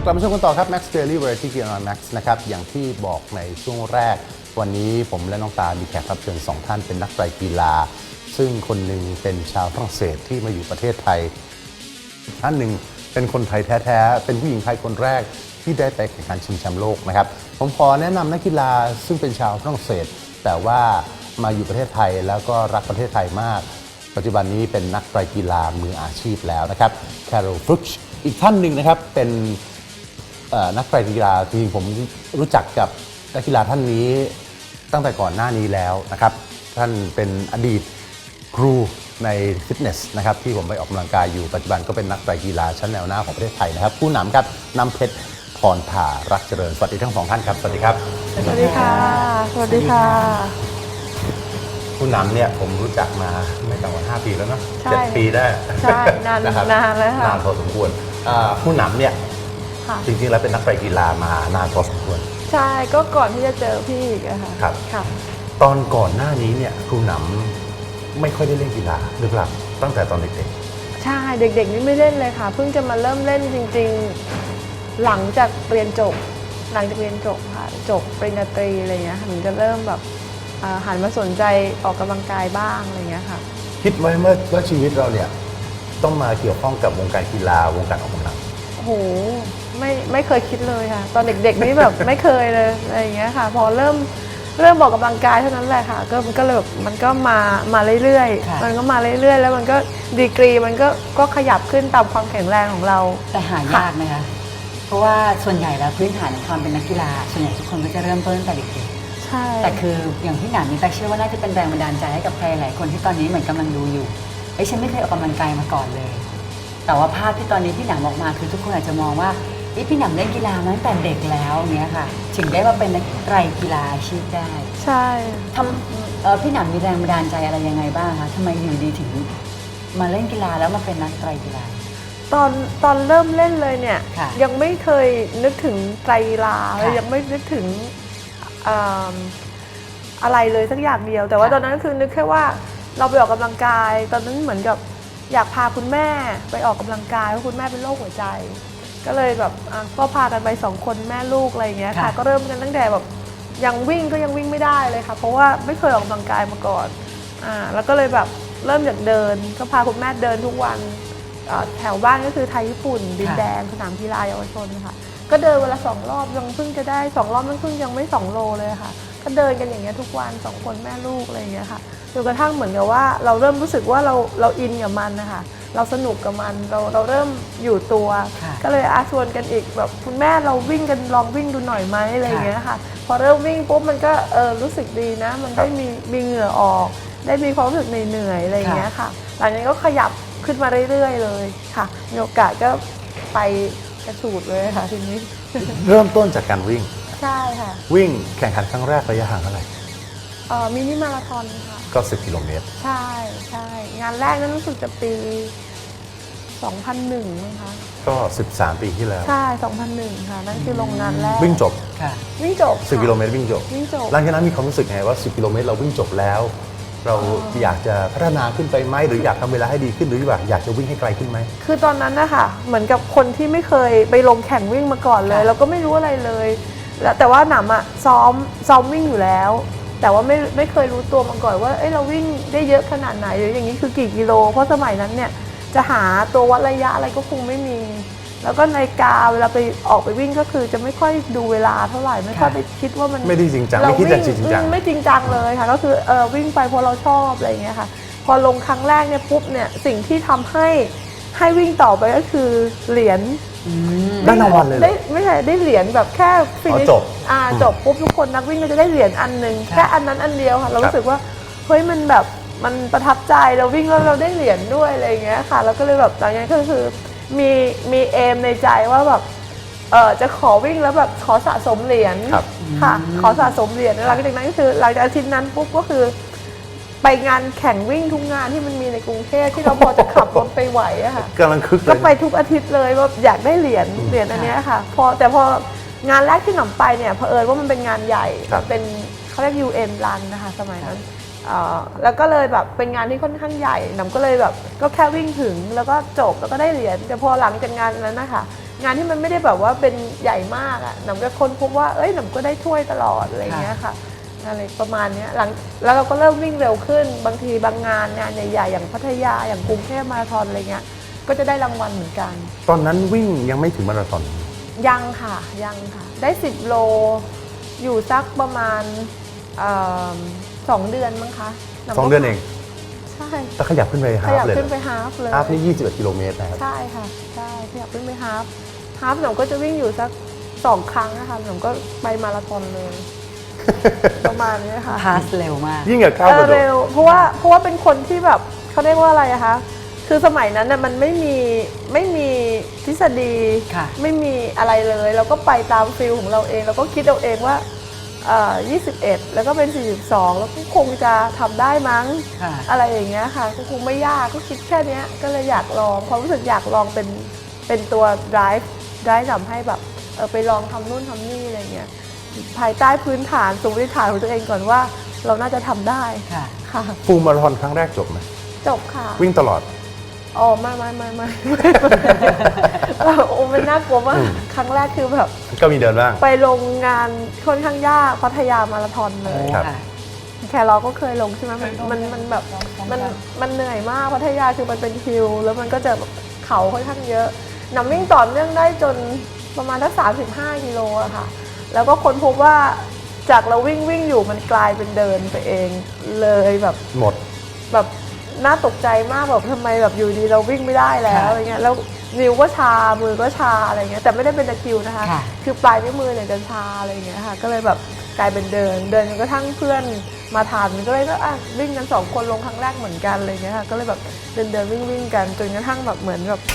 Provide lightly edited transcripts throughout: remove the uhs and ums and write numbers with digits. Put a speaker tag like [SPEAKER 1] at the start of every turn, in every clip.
[SPEAKER 1] กลับมาชมกันต่อครับ Max Daily Variety กีฬา Max นะครับอย่างที่บอกในช่วงแรกวันนี้ผมและน้องตามีแขกรับเชิญ2ท่านเป็นนักไตรกีฬาซึ่งคนหนึ่งเป็นชาวฝรั่งเศสที่มาอยู่ประเทศไทยท่านหนึ่งเป็นคนไทยแท้ๆเป็นผู้หญิงไทยคนแรกที่ได้ไปแข่งขันชิงแชมป์โลกนะครับผมขอแนะนำนักกีฬาซึ่งเป็นชาวฝรั่งเศสแต่ว่ามาอยู่ประเทศไทยแล้วก็รักประเทศไทยมากปัจจุบันนี้เป็นนักไตรกีฬามืออาชีพแล้วนะครับแคโรล ฟรุชอีกท่านหนึ่งนะครับเป็นนักไตรกีฬาจริงๆผมรู้จักกับนักกีฬาท่านนี้ตั้งแต่ก่อนหน้านี้แล้วนะครับท่านเป็นอดีตครูในฟิตเนสนะครับที่ผมไปออกกำลังกายอยู่ปัจจุบันก็เป็นนักไตรกีฬาชั้นแนวหน้าของประเทศไทยนะครับผู้นำครับน้ำเพชรพรถารักเจริญสวัสดีทั้งสองท่านครับสวัสดีครับ
[SPEAKER 2] สวัสดีค่ะสวัสดีค่ะ
[SPEAKER 1] ผู้นำเนี่ยผมรู้จักมาไม่ต่ำกว่า5 ปีแล้วเนาะ7 ปีได้
[SPEAKER 2] ใช่นาน
[SPEAKER 1] นะครับ
[SPEAKER 2] นานแล้วค่ะ
[SPEAKER 1] นานพอสมควรผู้นำเนี่ยจริงๆแล้วเป็นนักไตรกีฬามานานพอสมควร
[SPEAKER 2] ใช่ก็ก่อนที่จะเจอพี่อีกอะค่ะ
[SPEAKER 1] ครับ
[SPEAKER 2] ค่ะ
[SPEAKER 1] ตอนก่อนหน้านี้เนี่ยครูหนำไม่ค่อยได้เล่นกีฬาหรือเปล่าตั้งแต่ตอนเด็ก
[SPEAKER 2] ๆใช่เด็กๆนี่ไม่เล่นเลยค่ะเพิ่งจะมาเริ่มเล่นจริงๆหลังจากเรียนจบค่ะจบปริญญาตรีอะไรเงี้ยถึงจะเริ่มแบบหันมาสนใจออกกำลังกายบ้างอะไรเงี้ยค่ะ
[SPEAKER 1] คิดไว้เมื่อว่าชีวิตเราเนี่ยต้องมาเกี่ยวข้องกับวงการกีฬาวงการออกกำลัง
[SPEAKER 2] โอ้โหไม่เคยคิดเลยค่ะตอนเด็กๆนี่แบบไม่เคยเลยอะไรอย่างเงี้ยค่ะพอเริ่มออกกำลังกายเท่านั้นแหละค่ะมันก็เลยแบบมันก็มาเรื่อยๆมันก็มาเรื่อยๆแล้วมันก็ดีกรีมันก็ขยับขึ้นตามความแข็งแรงของเรา
[SPEAKER 3] แต่หายากไหมคะเพราะว่าส่วนใหญ่แล้วพื้นฐานในความเป็นนักกีฬาส่วนใหญ่ทุกคนก็จะเริ่มต้นตั้งแต่เด็ก
[SPEAKER 2] ๆใช่
[SPEAKER 3] แต่คืออย่างพี่หนามนี่แต่เชื่อว่าน่าจะเป็นแรงบันดาลใจให้กับใครหลายคนที่ตอนนี้เหมือนกำลังดูอยู่ฉันไม่เคยออกกำลังกายมาก่อนเลยแต่ว่าภาพที่ตอนนี้พี่หนามออกมาคือทุกคนอาจจะมองว่าพี่หนามเล่นกีฬามาตั้งแต่เด็กแล้วเนี้ยค่ะถึงได้มาเป็นนักไตรกีฬาอาชีพได้
[SPEAKER 2] ใช่
[SPEAKER 3] พี่หนามมีแรงบันดาลใจอะไรยังไงบ้างคะทำไมอยู่ดีถึงมาเล่นกีฬาแล้วมาเป็นนักไตรกีฬา
[SPEAKER 2] ตอนเริ่มเล่นเลยเนี่ยยังไม่เคยนึกถึงไตรกีฬาเลยยังไม่นึกถึงอะไรเลยสักอย่างเดียวแต่ว่าตอนนั้นคือนึกแค่ว่าเราไปออกกำลังกายตอนนั้นเหมือนกับอยากพาคุณแม่ไปออกกำลังกายเพราะคุณแม่เป็นโรคหัวใจก็เลยแบบก็พากันไป2 คนแม่ลูกอะไรอย่างเงี้ยค่ะก็เริ่มกันตั้งแต่แบบยังวิ่งไม่ได้เลยค่ะเพราะว่าไม่เคยออกกำลังกายมาก่อนแล้วก็เลยแบบเริ่มจากเดินก็พาคุณแม่เดินทุกวันแถวบ้านก็คือไทยญี่ปุ่นดินแดงสนามกีฬาเยาวชนค่ะก็เดินวันละ2 รอบยังเพิ่งจะได้2 รอบมันเพิ่งยังไม่2 โลเลยค่ะก็เดินกันอย่างเงี้ยทุกวัน2 คนแม่ลูกอะไรอย่างเงี้ยค่ะจนกระทั่งเหมือนกับว่าเราเริ่มรู้สึกว่าเราอินกับมันนะคะเราสนุกกับมันเราเริ่มอยู่ตัวก็เลยชวนกันอีกแบบคุณแม่เราวิ่งกันลองวิ่งดูหน่อยไหมอะไรอย่างเงี้ยค่ะพอเริ่มวิ่งปุ๊บมันก็รู้สึกดีนะมันได้มีเหงื่อออกได้มีความรู้สึกเหนื่อยอะไรอย่างเงี้ยค่ะหลังจากนั้นก็ขยับขึ้นมาเรื่อยๆเลยค่ะมีโอกาสก็ไปกระฉูดเลยค่ะทีนี้
[SPEAKER 1] เริ่มต้นจากการวิ่ง
[SPEAKER 2] ใช่ค่ะ
[SPEAKER 1] วิ่งแข่งขันครั้งแรกระยะห่างเท่าไหร่
[SPEAKER 2] มินิมาราธอนค่ะ
[SPEAKER 1] ก็10 กิโลเมตร
[SPEAKER 2] ใช่งานแรกนั้นรู้สึกจะปี2001มั้งคะ
[SPEAKER 1] ก็13 ปีที่แล้ว
[SPEAKER 2] ใช่2001ค่ะนั่นคือลงงานแรก
[SPEAKER 1] วิ่งจบ
[SPEAKER 2] วิ่งจบ
[SPEAKER 1] 10 กิโลเมตรวิ่งจบหลังจากนั้นมีความรู้สึกไงว่า10 กิโลเมตรเราวิ่งจบแล้วเราอยากจะพัฒนาขึ้นไปไหมหรืออยากทำเวลาให้ดีขึ้นหรือว่าอยากจะวิ่งให้ไกลขึ้นไหม
[SPEAKER 2] คือตอนนั้นนะคะเหมือนกับคนที่ไม่เคยไปลงแข่งวิ่งมาก่อนเลยเราก็ไม่รู้อะไรเลยแล้วแต่ว่าหนำซ้อมวิ่งอยู่แล้วแต่ว่าไม่เคยรู้ตัวมาก่อนว่าเราวิ่งได้เยอะขนาดไหนหรืออย่างนี้คือกี่กิโลเพราะสมัยนั้นเนี่ยจะหาตัววัดระยะอะไรก็คงไม่มีแล้วก็นาฬิกาเวลาไปออกไปวิ่งก็คือจะไม่ค่อยดูเวลาเท่าไหร่ไม่ค่อยไปคิดว่ามัน
[SPEAKER 1] ไม่ได้จริงจังไม่คิดจริงจัง
[SPEAKER 2] ไม่จริงจังเลยค่ะก็คือวิ่งไปเพราะเราชอบอะไรอย่างเงี้ยค่ะพอลงครั้งแรกเนี่ยปุ๊บเนี่ยสิ่งที่ทำให้วิ่งต่อไปก็คือเหรียญ
[SPEAKER 1] ได้รางวัลเลย
[SPEAKER 2] ไม่ใช่ได้เหรียญแบบแค่ฟินิชจบปุ๊บทุกคนนักวิ่งก็จะได้เหรียญอันนึงแค่อันนั้นอันเดียวค่ะเรารู้สึกว่าเฮ้ยมันแบบมันประทับใจเราวิ่งแล้วเราได้เหรียญด้วยอะไรอย่างเงี้ยค่ะแล้วก็เลยแบบหลังจากนั้นก็คือมีเอมในใจว่าแบบจะขอวิ่งแล้วแบบขอสะสมเหรียญค่ะขอสะสมเหรียญหลังจากนั้นก็คือหลังจากอาทิตย์นั้นปุ๊บก็คือไปงานแข่งวิ่งทุกงานที่มันมีในกรุงเทพที่เราพอจะขับรถไปไหวอะค่ะ
[SPEAKER 1] กำลังคึก
[SPEAKER 2] ก็ไปทุกอาทิตย์เลยว่าอยากได้เหรียญอันนี้ค่ะแต่พองานแรกที่หนำไปเนี่ยเผอิญว่ามันเป็นงานใหญ่เป็นเขาเรียก UN Run นะคะสมัยนั้นแล้วก็เลยแบบเป็นงานที่ค่อนข้างใหญ่หนำก็เลยแบบก็แค่วิ่งถึงแล้วก็จบแล้วก็ได้เหรียญแต่พอหลังจากงานนั้นนะคะงานที่มันไม่ได้แบบว่าเป็นใหญ่มากหนำก็ค้นพบว่าเอ้ยหนำก็ได้ถ้วยตลอดอะไรเงี้ยค่ะอะไรประมาณนี้หลังแล้วเราก็เริ่มวิ่งเร็วขึ้นบางทีบางงานใหญ่ๆอย่างพัทยาอย่างกรุงเทพมาราธอนอะไรเงี้ยก็จะได้รางวัลเหมือนกัน
[SPEAKER 1] ตอนนั้นวิ่งยังไม่ถึงมาราธอน
[SPEAKER 2] ยังค่ะได้10 โลอยู่สักประมาณ2 เดือนมั้งคะ
[SPEAKER 1] 2 เดือนเอง
[SPEAKER 2] ใช่
[SPEAKER 1] แต่ขยับขึ้นไป
[SPEAKER 2] ข
[SPEAKER 1] ฮาล์
[SPEAKER 2] ยั
[SPEAKER 1] ฟ
[SPEAKER 2] บ
[SPEAKER 1] เลย
[SPEAKER 2] ขึ้นไปฮาล์ฟเลย
[SPEAKER 1] ฮาล์ฟนี่21 กิโลเมตรนะครับ
[SPEAKER 2] ใช่ค่ะใช่ขยับขึ้นไปฮาล์ฟหนูก็จะวิ่งอยู่สัก2 ครั้งนะคะหนูก็ไปมาราธอนเลย ประมาณนี้ค่ะ
[SPEAKER 3] พาสเร็วมาก
[SPEAKER 1] ยิ่งกับก้าวกระโดด
[SPEAKER 2] เร็วเพราะว่าเป็นคนที่แบบเขาเรียกว่าอะไรอะคะคือสมัยนั้นน่ะมันไม่มีทฤษฎี
[SPEAKER 3] ค่ะ
[SPEAKER 2] ไม่มีอะไรเลยเราก็ไปตามฟิลของเราเองเราก็คิดเอาเองว่า21 แล้วก็เป็น 42 แล้วก็คงจะทำได้มั้ง
[SPEAKER 3] ค่ะ
[SPEAKER 2] อะไรอย่างเงี้ยค่ะก็คงไม่ยากก็คิดแค่เนี้ยก็เลยอยากลองความรู้สึกอยากลองเป็นตัว drive ทำให้แบบไปลองทำนู่นทำนี่อะไรเงี้ยภายใต้พื้นฐานสมมติฐานของตัวเองก่อนว่าเราน่าจะทำได้
[SPEAKER 3] ค่ะ
[SPEAKER 2] ค่ะ
[SPEAKER 1] ฟูลมาราธอนครั้งแรกจบไหม
[SPEAKER 2] จบค่ะ
[SPEAKER 1] วิ่งตลอด
[SPEAKER 2] อ๋อไม่โอ้มันน่ากลัวมากครั้งแรกคือแบบ
[SPEAKER 1] ก็มีเดินบ้าง
[SPEAKER 2] ไปลงงานค่อนข้างยากพัทยามาราธอนเลย
[SPEAKER 1] ครับ
[SPEAKER 3] ค่ะ
[SPEAKER 2] แครอก็เคยลงใช่ไหมมันแบบมันเหนื่อยมากพัทยาคือมันเป็นฮิลแล้วมันก็จะเขาค่อนข้างเยอะหนำวิ่งต่อเนื่องได้จนประมาณสัก35 กิโลอะค่ะแล้วก็ค้นพบว่าจากเราวิ่งอยู่มันกลายเป็นเดินไปเองเลยแบบ
[SPEAKER 1] หมด
[SPEAKER 2] แบบน่าตกใจมากแบบทำไมแบบอยู่ดีเราวิ่งไม่ได้แล้ว
[SPEAKER 3] ค่ะ
[SPEAKER 2] อะไรเงี้ยแล้วนิ้วก็ชามือก็ชาอะไรเงี้ยแต่ไม่ได้เป็นตะคริวนะคะ
[SPEAKER 3] ค่ะ
[SPEAKER 2] คือปลายนิ้วมือเนี่ยจะชาอะไรเงี้ยค่ะก็เลยแบบกลายเป็นเดินจนกระทั่งเพื่อนมาทันก็เลยก็วิ่งกัน2 คนลงครั้งแรกเหมือนกันอะไรเงี้ยค่ะก็เลยแบบเดินวิ่งกันจนกระทั่งแบบเหมือนแบบ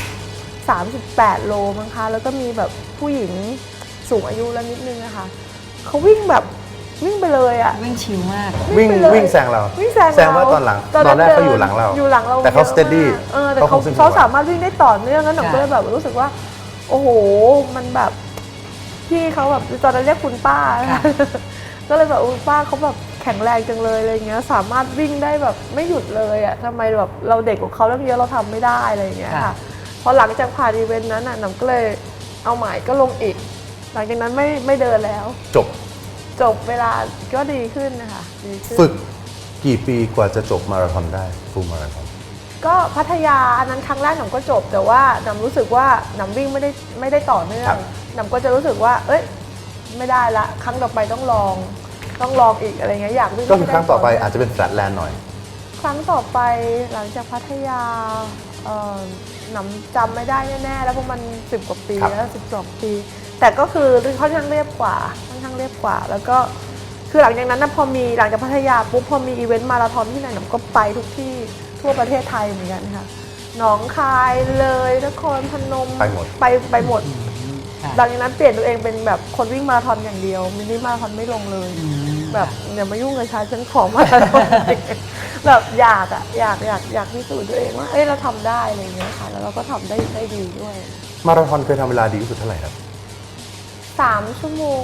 [SPEAKER 2] 38 โลมั้งคะแล้วก็มีแบบผู้หญิงสูงอายุแล้วนิดนึงนะคะเขาวิ่งไปเลยอะ
[SPEAKER 3] วิ่งชิลมาก
[SPEAKER 1] วิ่ง
[SPEAKER 2] ไปเลย
[SPEAKER 1] วิ่งแซงเรา
[SPEAKER 2] วิ่งแซง
[SPEAKER 1] แซงว่าตอนหลังตอนแรกเขาอยู่หลังเรา
[SPEAKER 2] อยู่หลังเรา
[SPEAKER 1] แต่เขา
[SPEAKER 2] ยอะมก
[SPEAKER 1] steady
[SPEAKER 2] แต่
[SPEAKER 1] เขาคงซึ่ง
[SPEAKER 2] เขาสามารถวิ่งได้ต่อเนื่องแล้วหนูก็เลยแบบรู้สึกว่า โอ้โหมันแบบพี่เขาแบบตอนนั้นเรียกคุณป้า
[SPEAKER 3] ค่ะ
[SPEAKER 2] ก็เลยแบบป้าเขาแบบแข็งแรงจังเลยอะไรเงี้ยสามารถวิ่งได้แบบไม่หยุดเลยอ่ะทำไมแบบเราเด็กกว่าเขาเรื่องเยอะเราทำไม่ได้อะไรเงี้ยค่ะพอหลังจากผ่านอีเวนต์นั้นน่ะหนูก็เลยเอาหมายก็ลงอีก หลังจากนั้นไม่เดินแล้ว
[SPEAKER 1] จบ
[SPEAKER 2] เวลาก็ดีขึ้นนะคะดีขึ้น
[SPEAKER 1] ฝึกกี่ปีกว่าจะจบมาราธอนได้ฟูลมาราธอน
[SPEAKER 2] ก็พัทยาอันนั้นครั้งแรกหนำก็จบแต่ว่าหนำรู้สึกว่าหนำวิ่งไม่ได้ต่อเนื่อ
[SPEAKER 1] ครั
[SPEAKER 2] ง
[SPEAKER 1] บ
[SPEAKER 2] หนำก็จะรู้สึกว่า เอ้ยไม่ได้ละครั้งต่อไปต้องลองอีกอะไรเงี้ยอยากวิ่ง
[SPEAKER 1] ก็คือ
[SPEAKER 2] ให้ด้
[SPEAKER 1] ครั้งต่อไปอาจจะเป็นแฟลตแลนด์หน่อย
[SPEAKER 2] ครั้งต่อไปหลังจากพัทยาหนำจำไม่ได้แน่ๆแล้วเพราะมัน10 กว่าปี
[SPEAKER 1] ครับ
[SPEAKER 2] แล้ว12 ปี แต่ก็คือค่อนข้างเรียบกว่าแล้วก็คือหลังจากนั้นนะหลังจากพัทยาปุ๊บพอมีอีเวนต์มาราธอนที่ไหนหนำก็ไปทุกที่ทั่วประเทศไทยเหมือนกันค่ะหนองคายเลยนครพนม
[SPEAKER 1] ไปหมด
[SPEAKER 2] ไปหมด
[SPEAKER 3] ค่ะ
[SPEAKER 2] หลังจากนั้นเปลี่ยนตัวเองเป็นแบบคนวิ่งมาราธอนอย่างเดียวมินิมาราธอนไม่ลงเลย แบบอย่ามายุ่งกับฉันขอมาราธอนแบบอยากพิสูจน์ตัวเองว่าเอ้ยเราทำได้อะไรอย่างเงี้ยค่ะแล้วเราก็ทำได้ดีด้วย
[SPEAKER 1] มาราธอนเคยทำเวลาดีที่สุดเท่าไหร่ครับ
[SPEAKER 2] 3 ชั่วโมง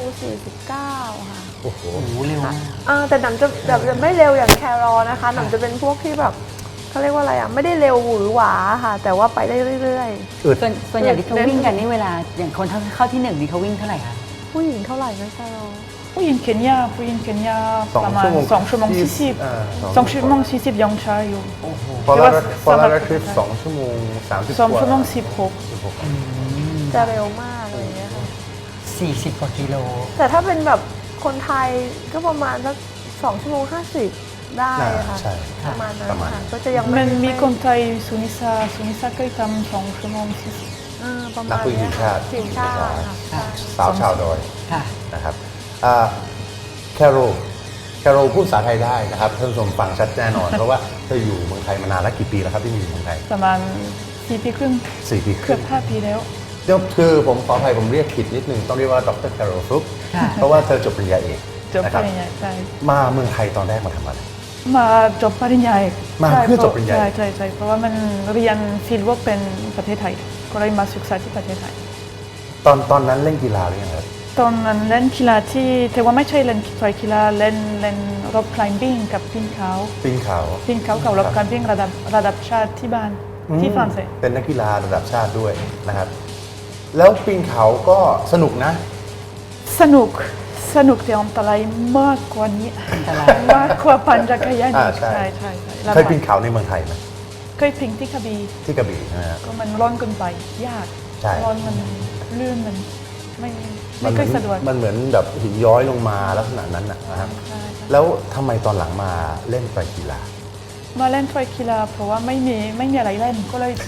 [SPEAKER 2] 49 ค่ะ
[SPEAKER 1] โอ้โห
[SPEAKER 3] โอ้โหเร็วมาก
[SPEAKER 2] แต่หนำจะแบบไม่เร็วอย่างแครอนะคะหนำจะเป็นพวกที่แบบเขาเรียกว่าอะไรไม่ได้เร็วหวือหวาค่ะ แต่ว่าไปได้เรื่อย
[SPEAKER 1] อึด
[SPEAKER 3] ส่วนใหญ่ที่เขาวิ่งกันนี่เวลาอย่างคนเข้าที่1นี่เขาวิ่งเท่าไหร่คะ
[SPEAKER 2] ๆ ผู้หญิงเท่าไหร่นะแครอ
[SPEAKER 4] ผู้หญิงเคนยาประมาณ 2 ชั่วโมง 40 2 ชั่วโมง 40ยังช้าอยู่
[SPEAKER 1] พอเรา
[SPEAKER 4] แต่ว่า
[SPEAKER 1] พอเรา
[SPEAKER 4] สำหรับ
[SPEAKER 1] คลิป2 ชั่วโมง 30
[SPEAKER 4] 2 ชั่วโมง
[SPEAKER 2] จะเร็วมากอะไรอย่างเงี้ยค่ะ
[SPEAKER 3] 40 กว่ากิโล
[SPEAKER 2] แต่ถ้าเป็นแบบคนไทยก็ประมาณสัก2 ชั่วโมง 50 ได้ค่ะ
[SPEAKER 1] ใช่
[SPEAKER 2] ประมาณนั้น
[SPEAKER 1] ประมาณ
[SPEAKER 2] ค่ะก็จะยัง
[SPEAKER 4] มั
[SPEAKER 2] ไม่
[SPEAKER 4] นมีคนไทยสุนิสาเคยทำ2 ชั่วโมง
[SPEAKER 2] ประมาณ
[SPEAKER 1] นักวิ่งทีมชาติ
[SPEAKER 2] ทีมชาติค่ะใช่
[SPEAKER 1] สาวชาวดอย
[SPEAKER 3] ค่ะ
[SPEAKER 1] นะครับแคโรพูดภาษาไทยได้นะครับท่านผู้ชมฟังชัดแน่นอน เพราะว่าเธออยู่เมืองไทยมานานแล้วกี่ปีแล้วครับที่มีอยู่เมืองไทย
[SPEAKER 4] ประมาณ4 ปีครึ่ง
[SPEAKER 1] 4 ปีค
[SPEAKER 4] เกื
[SPEAKER 1] รึ่
[SPEAKER 4] อง บ5 ปีแล้ว
[SPEAKER 1] เดี๋ยวคือผมขออภัยผมเรียกผิดนิดนึงต้องเรียกว่าดรแคโรฟลุก
[SPEAKER 3] ค่ะ
[SPEAKER 1] เพราะว่าเธอจบปริญญาเอก
[SPEAKER 4] จบ
[SPEAKER 1] นะ
[SPEAKER 4] ป
[SPEAKER 1] ครับ
[SPEAKER 4] ริญญาใช่
[SPEAKER 1] มาเมืองไทยตอนแรกมาทำอะไร
[SPEAKER 4] มาจบปริญญาเอก
[SPEAKER 1] มาเพื่อจบปริญญาเอก
[SPEAKER 4] ใช่เพราะว่ามันเรียนฟิลด์เวิร์กเป็นประเทศไทยก็เลยมาศึกษาที่ประเทศไทย
[SPEAKER 1] ตอนนั้นเล่นกีฬาหรือยังครับ
[SPEAKER 4] ตอนนั้นเล่นกีฬาที่แต่ว่าไม่ใช่เล่นกีฬาเล่นรอบคลิมบิ้งกับปีนเขา
[SPEAKER 1] ปีนเขา
[SPEAKER 4] กับรอบคลิมบิ้งระดับชาติที่บ้านที่ฝรั่งเศส
[SPEAKER 1] เป็นนักกีฬาระดับชาติด้วยนะครับแล้วปีนเขาก็สนุกนะ
[SPEAKER 4] สนุกแต่อันตรายมากกว่านี้
[SPEAKER 3] อันตราย
[SPEAKER 4] มากกว่าปั่นจักรยาน
[SPEAKER 1] ใช่
[SPEAKER 4] ใช่ลำบาก
[SPEAKER 1] เคยปีนเขาในเมืองไทยไหม
[SPEAKER 4] เคยพิงที่กระบี่
[SPEAKER 1] ที่กระบี่นะฮะ
[SPEAKER 4] ก็มันร้อนเกินไปยาก
[SPEAKER 1] ใช่
[SPEAKER 4] ร้อนมันลื่นมันไม่
[SPEAKER 1] มันเห
[SPEAKER 4] ค่
[SPEAKER 1] มื
[SPEAKER 4] อยสะดวก
[SPEAKER 1] มันเหมือนแบบหินย้อยลงมาลักษณะนั้นนะครับ
[SPEAKER 4] ใช่
[SPEAKER 1] แล้วทำไมตอนหลังมาเล่นไตรกีฬา
[SPEAKER 4] มาเล่นไตรกีฬาเพราะว่าไม่มีอะไรเล่นก็เลย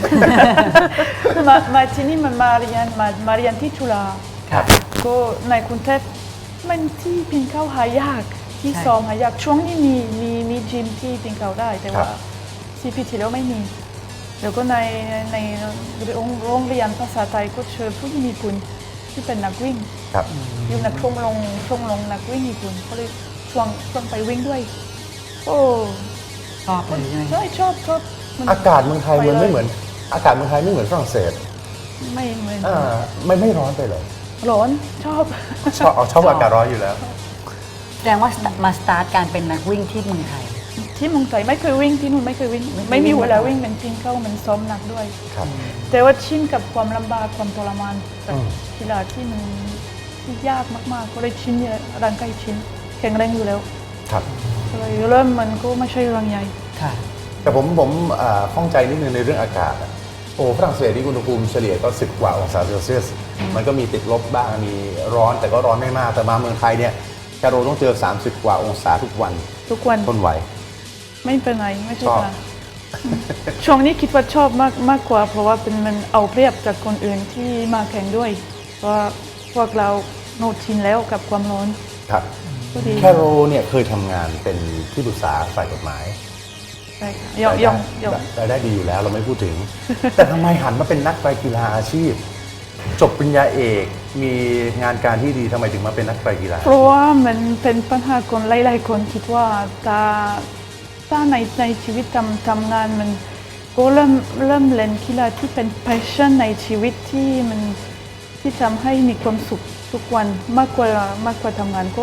[SPEAKER 4] มาที่นี่มันมาเรียนที่จุฬา
[SPEAKER 3] ครับ
[SPEAKER 4] ก็ในกรุงเทพมันที่ปีนเขาหายากที่
[SPEAKER 3] ใช่
[SPEAKER 4] ซ้อมหายากช่วงนี้มีจิมที่ปีนเขาได้แต่ว่า
[SPEAKER 1] ครับ
[SPEAKER 4] 4 ปีที่แล้วไม่มีแล้วก็ในโรงเรียนภาษาไทยก็เชิญผู้หญิงญี่ปุ่นที่เป็นนักวิ่ง
[SPEAKER 1] ครับ
[SPEAKER 4] อยู่ในชมรมนักวิ่งญี่ปุ่นก็เลยชวนไปวิ่งด้วยโอ้
[SPEAKER 3] ชอบเลยใช่ไหม
[SPEAKER 4] ใช่ชอบมัน
[SPEAKER 1] อากาศเมืองไทยมันไม่เหมือนอากาศเมืองไทยไม่เหมือนฝรั่งเศส
[SPEAKER 4] ไม่เหมือน
[SPEAKER 1] ไม่ร้อนไปเลย
[SPEAKER 4] ร้อนชอบ
[SPEAKER 1] ชอบอากาศร้อนอยู่แล้ว
[SPEAKER 3] แสดงว่ามาสตาร์ทการเป็นนักวิ่งที่เมืองไทย
[SPEAKER 4] ที่เมืองไทยไม่เคยวิ่งที่นู่นไม่เคยวิ่ง
[SPEAKER 3] ไม่เคยวิ่ง
[SPEAKER 4] ไม่มีเวลาวิ่งมันปีนเขามันซ้อมหนักด้วย
[SPEAKER 1] ครับ
[SPEAKER 4] แต่ว่าชินกับความลำบากความทรมานจาก
[SPEAKER 1] อืม
[SPEAKER 4] กีฬาที่มันที่ยากมากๆก็เลยชินเนี่ยร่างกายชินแข็งแรงอยู่แล้ว
[SPEAKER 1] ครับ
[SPEAKER 4] ก็เลยเริ่มมันก็ไม่ใช่เรื่องใหญ่
[SPEAKER 3] ค่ะ
[SPEAKER 1] แต่ผมข้องใจนิดนึงในเรื่องอากาศอะโอ้ฝรั่งเศสที่อุณหภูมิเฉลี่ยก็10 กว่าองศาเซลเซียส มันก็มีติดลบบ้างมีร้อนแต่ก็ร้อนไม่มาก แต่มาเมืองไทยเนี่ยแคโรต้องเจอ 30 กว่าองศาทุกวัน
[SPEAKER 4] ทุกวัน
[SPEAKER 1] ทนไหว
[SPEAKER 4] ไม่เป็นไรไม่ใช่
[SPEAKER 1] ชอบ
[SPEAKER 4] ปัญหาช่วงนี้คิดว่าชอบมากกว่าเพราะว่าเป็นมันเอาเปรียบจากคนอื่นที่มาแข่งด้วยเพราะว่าพวกเราโนชินแล้วกับความร้อน
[SPEAKER 1] ครับ
[SPEAKER 4] ก็ดี
[SPEAKER 1] แคโรเนี่ยเคยทำงานเป็นที่ปรึกษาฝ่ายกฎหมาย
[SPEAKER 4] ใช่ค่ะยอม
[SPEAKER 1] รายได้ดีอยู่แล้วเราไม่พูดถึง แต่ทำไมหันมาเป็นนักไตรกีฬาอาชีพ จบปริญญาเอกมีงานการที่ดีทำไมถึงมาเป็นนักไตรกีฬา
[SPEAKER 4] เพราะว่ามันเป็นปัญหาคนหลายๆคนคิดว่าถ้าในชีวิตทำงานมันก็เริ่มเล่นกีฬาที่เป็น passion ในชีวิตที่มันที่ทำให้มีความสุขทุกวันมากกว่าทำงานก็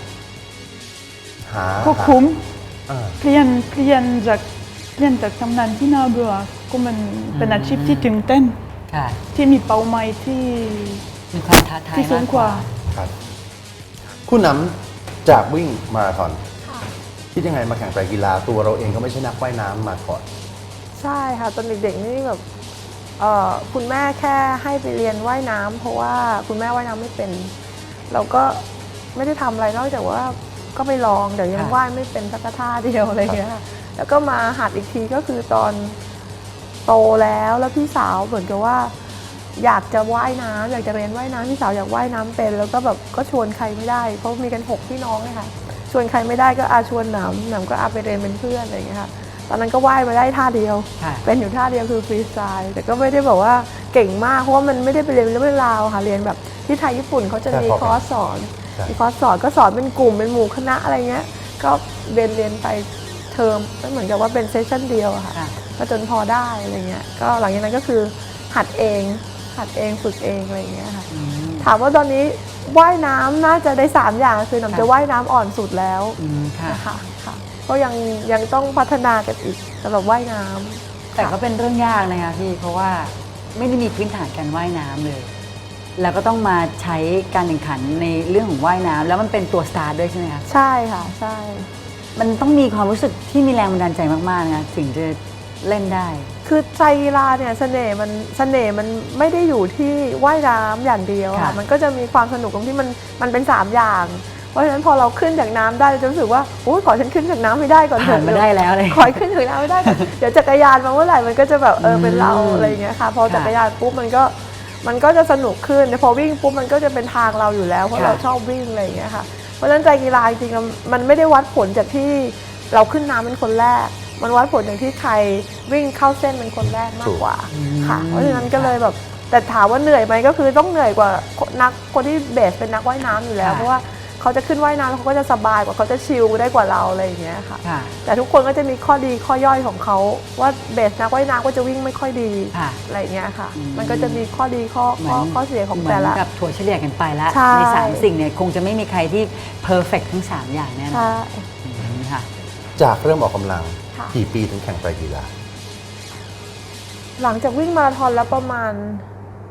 [SPEAKER 4] ก็คุ้ม
[SPEAKER 1] อ่า
[SPEAKER 4] เปลี่ยนจากทำงานที่น่าเบื่อก็มันเป็นอาชีพที่ตื่นเต้น
[SPEAKER 3] ค่ะ
[SPEAKER 4] ที่มีเป้าหมายที่
[SPEAKER 3] มีความท้าทาย
[SPEAKER 4] ที่สู
[SPEAKER 3] มาง ก
[SPEAKER 4] ก
[SPEAKER 3] ก
[SPEAKER 4] ว่า
[SPEAKER 3] ว่า
[SPEAKER 1] ครับคุณน้ำจากวิ่งมาราธอนคิดยังไงมาแข่งไตรกีฬาตัวเราเองก็ไม่ใช่นักว่ายน้ำมาก่อน
[SPEAKER 2] ใช่ค่ะตอนเด็กๆนี่แบบคุณแม่แค่ให้ไปเรียนว่ายน้ำเพราะว่าคุณแม่ว่ายน้ำไม่เป็น เราก็ไม่ได้ทำอะไรนอกจากว่าก็ไปลองเดี๋ยวยัง
[SPEAKER 3] ค่ะ
[SPEAKER 2] ว่ายไม่เป็นสักท่าเดียวอะไรอย่างเงี้ยค่ะแล้วก็มาหัดอีกทีก็คือตอนโตแล้วพี่สาวเหมือนกับว่า อยากจะว่ายน้ำอยากจะเรียนว่ายน้ำพี่สาวอยากว่ายน้ำเป็น แล้วก็แบบก็ชวนใครไม่ได้เพราะมีกัน6พี่น้องเลยค่ะชวนใครไม่ได้ก็ชวนหนำก็ไปเรียนเป็นเพื่อนอะไรอย่างเงี้ยค่ะตอนนั้นก็ว่ายมาได้ท่าเดียว
[SPEAKER 3] ค่ะ
[SPEAKER 2] เป็นอยู่ท่าเดียวคือฟรีสไตล์แต่ก็ไม่ได้แบบว่าเก่งมากเพราะว่ามันไม่ได้ไปเรียนเรื่องราวค่ะเรียนแบบที่ไทยญี่ปุ่นเขาจะมี
[SPEAKER 1] ใช่
[SPEAKER 2] คอร์สสอน
[SPEAKER 1] ใช่
[SPEAKER 2] มีคอร์สสอนก็สอนเป็นกลุ่มเป็นหมู่คณะอะไรเงี้ยก็เรียนไปเทอมก็เหมือนกับว่าเป็นเซสชั่นเดียวอะค่ะ
[SPEAKER 3] ค่ะ
[SPEAKER 2] ก็จนพอได้อะไรเงี้ยก็หลังจากนั้นก็คือหัดเองฝึกเองอะไรเงี้ยค่ะ
[SPEAKER 3] อืม
[SPEAKER 2] ถามว่าตอนนี้ว่ายน้ำน่าจะได้3อย่างคือหนำจะว่ายน้ำอ่อนสุดแล้ว
[SPEAKER 3] อืมค่ะ
[SPEAKER 2] นะคะค่ะก็ยังต้องพัฒนากันอีกสำหรับว่ายน้ำ
[SPEAKER 3] แต่ก็เป็นเรื่องยากนะคะพี่เพราะว่าไม่ได้มีพื้นฐานการว่ายน้ำเลย แล้วก็ต้องมาใช้การแข่งขันในเรื่องของว่ายน้ำแล้วมันเป็นตัวสตาร์ทด้วยใช่ไหมคะ
[SPEAKER 2] ใช่ค่ะใช่
[SPEAKER 3] มันต้องมีความรู้สึกที่มีแรงบันดาลใจมากๆนะคะถึงจะเล่นได้
[SPEAKER 2] คือใจกีฬาเนี่ยเสน่ห์มันไม่ได้อยู่ที่ว่ายน้ำอย่างเดียว
[SPEAKER 3] ค่ะ
[SPEAKER 2] ค่ะมันก็จะมีความสนุกตรงที่มันเป็น3อย่าง เพราะฉะนั้นพอเราขึ้นจากน้ำได้เราจะรู้สึกว่าโอ้ยขอฉันขึ้นจากน้ำไม่ได้ก่อนเถ
[SPEAKER 3] ผ่าน
[SPEAKER 2] อะ
[SPEAKER 3] มาได้แล้วเลย
[SPEAKER 2] ขอให้ขึ้นจากน้ำไม่ได้ก่อนเดี๋ยวจักรยานมาเมื่อไหร่มันก็จะแบบเป็นเราอะไรอย่างเงี้ยค่ะพอจักรยานปุ๊บมันก็จะสนุกขึ้นแต่พอวิ่งปุ๊บมันก็จะเป็นทางเราอยู่แล้วเพราะ
[SPEAKER 3] ค่ะ
[SPEAKER 2] เราชอบวิ่งอะไรอย่างเงี้ยค่ะเพราะฉะนั้นใจกีฬาจริงๆมันไม่ได้วัดผลจากที่เราขึ้นน้ำเป็นคนแรก มันวัดผลจากที่ใครวิ่งเข้าเส้นเป็นคนแรกมากกว่าค่ะเพราะฉะนั้นก็เลยแบบแต่ถามว่าเหนื่อยไหมก็คือต้องเหนื่อยกว่าคนที่เบสเป็นนักว่ายน้ำอยู่แล้ว
[SPEAKER 3] ค่ะ
[SPEAKER 2] เพราะว่าเขาจะขึ้นว่ายน้ำเขาก็จะสบายกว่าเขาจะชิลได้กว่าเราอะไรอย่างเงี้ยค่ะ
[SPEAKER 3] ค่ะ
[SPEAKER 2] แต่ทุกคนก็จะมีข้อดีข้อย่อยของเขาว่าเบสนักว่ายน้ำก็จะวิ่งไม่ค่อยดี
[SPEAKER 3] ค่ะ
[SPEAKER 2] อะไรอย่างเงี้ยค่ะ
[SPEAKER 3] อืม
[SPEAKER 2] มันก็จะมีข้อดีข้อเสียของแต่ละ
[SPEAKER 3] เหมือนกับถั่วเฉลี่ยกันไปแล้ว
[SPEAKER 2] ใช่
[SPEAKER 3] ใน3สิ่งเนี่ยคงจะไม่มีใครที่เพอร์เฟกทั้ง 3 อย่างแน่นอน
[SPEAKER 2] ใช่
[SPEAKER 3] ค่ะ
[SPEAKER 1] จากเริ่มออกกำลัง
[SPEAKER 2] ค่ะ
[SPEAKER 1] กี่ปีถึงแข่งไตรกีฬา
[SPEAKER 2] หลังจากวิ่งมาราธอนแล้วประมาณ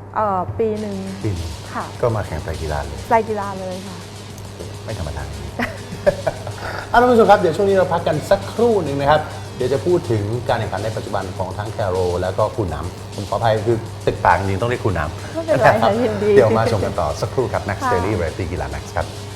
[SPEAKER 2] ปีหนึ่ง
[SPEAKER 1] ปีหนึ่ง
[SPEAKER 2] ค่ะ
[SPEAKER 1] ก็มาแข่งไตรกีฬาเลย
[SPEAKER 2] ไตรกีฬาเลยค่ะ
[SPEAKER 1] ไม่ธรรมดา ท่านผู้ชมครับเดี๋ยวช่วงนี้เราพักกันสักครู่หนึ่งนะครับเดี๋ยวจะพูดถึงการแข่งขันในปัจจุบันของทั้งแคโรแล้วก็คุณน้ำผมขออภัยคือติดปากจริงๆต้องเรียกคุณน้ำ
[SPEAKER 2] ไม่เป็นไรค่ะยินดี
[SPEAKER 1] เดี๋ยวมาชมกันต่อสักครู่ครับ Max
[SPEAKER 2] ค่ะ
[SPEAKER 1] Daily Variety กีฬา Max ครับ